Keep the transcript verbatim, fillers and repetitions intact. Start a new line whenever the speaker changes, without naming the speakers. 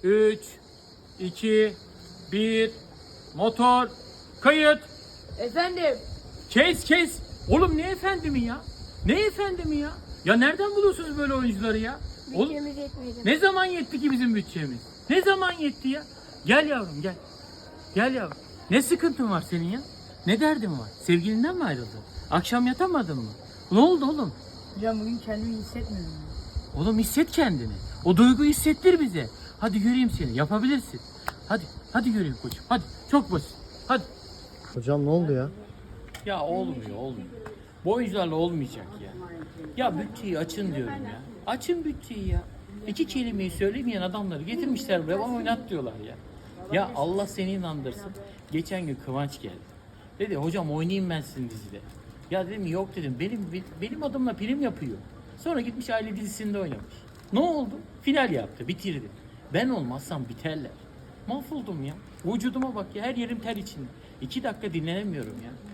üç, iki, bir, motor, kayıt.
Efendim.
Kes kes. Oğlum ne efendimi ya? Ne efendimi ya? Ya nereden buluyorsunuz böyle oyuncuları ya? Oğlum,
Bütçemiz yetmeyecek.
ne zaman yetti ki bizim bütçemiz? Ne zaman yetti ya? Gel yavrum gel. Gel yavrum. Ne sıkıntın var senin ya? Ne derdin var? Sevgilinden mi ayrıldın? Akşam yatamadın mı? Ne oldu oğlum?
Hocam bugün kendimi hissetmiyorum.
Oğlum hisset kendini. O duyguyu hissettir bize. Hadi göreyim seni. Yapabilirsin. Hadi. Hadi göreyim koçum. Hadi. Çok basit. Hadi.
Hocam ne oldu ya?
Ya olmuyor olmuyor. Bu oyuncularla olmayacak ya. Ya bütçeyi açın diyorum ya. Açın bütçeyi ya. İki kelimeyi söylemeyen adamları getirmişler buraya bana oynat diyorlar ya. Ya Allah seni inandırsın. Geçen gün Kıvanç geldi. Dedi hocam oynayayım ben sizin dizide. Ya dedim yok dedim benim benim adımla prim yapıyor. Sonra gitmiş aile dizisinde oynamış. Ne oldu? Final yaptı bitirdi. Ben olmazsam biterler. Mahvoldum ya. Vücuduma bak ya her yerim ter içinde. İki dakika dinlenemiyorum ya.